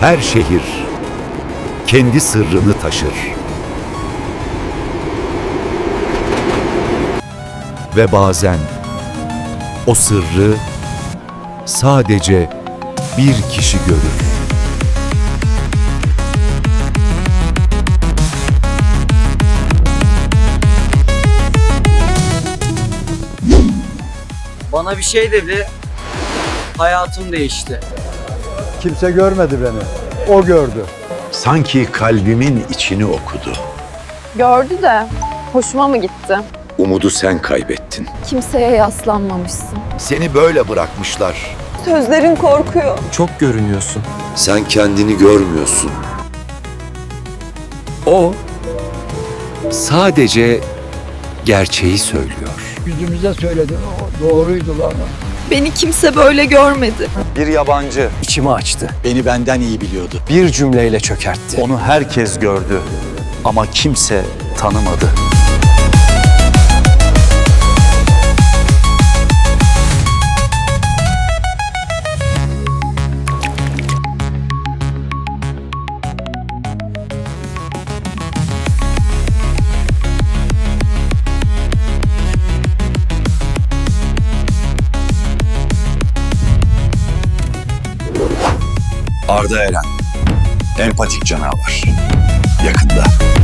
Her şehir kendi sırrını taşır. Ve bazen o sırrı sadece bir kişi görür. Bana bir şey dedi, hayatım değişti. Kimse görmedi beni. O gördü. Sanki kalbimin içini okudu. Gördü de hoşuma mı gitti? Umudu sen kaybettin. Kimseye yaslanmamışsın. Seni böyle bırakmışlar. Sözlerin korkuyor. Çok görünüyorsun. Sen kendini görmüyorsun. O sadece gerçeği söylüyor. Yüzümüze söyledi. Doğruydu lan. Beni kimse böyle görmedi. Bir yabancı içimi açtı. Beni benden iyi biliyordu. Bir cümleyle çökertti. Onu herkes gördü ama kimse tanımadı. Arda Eren, empatik canavar. Yakında.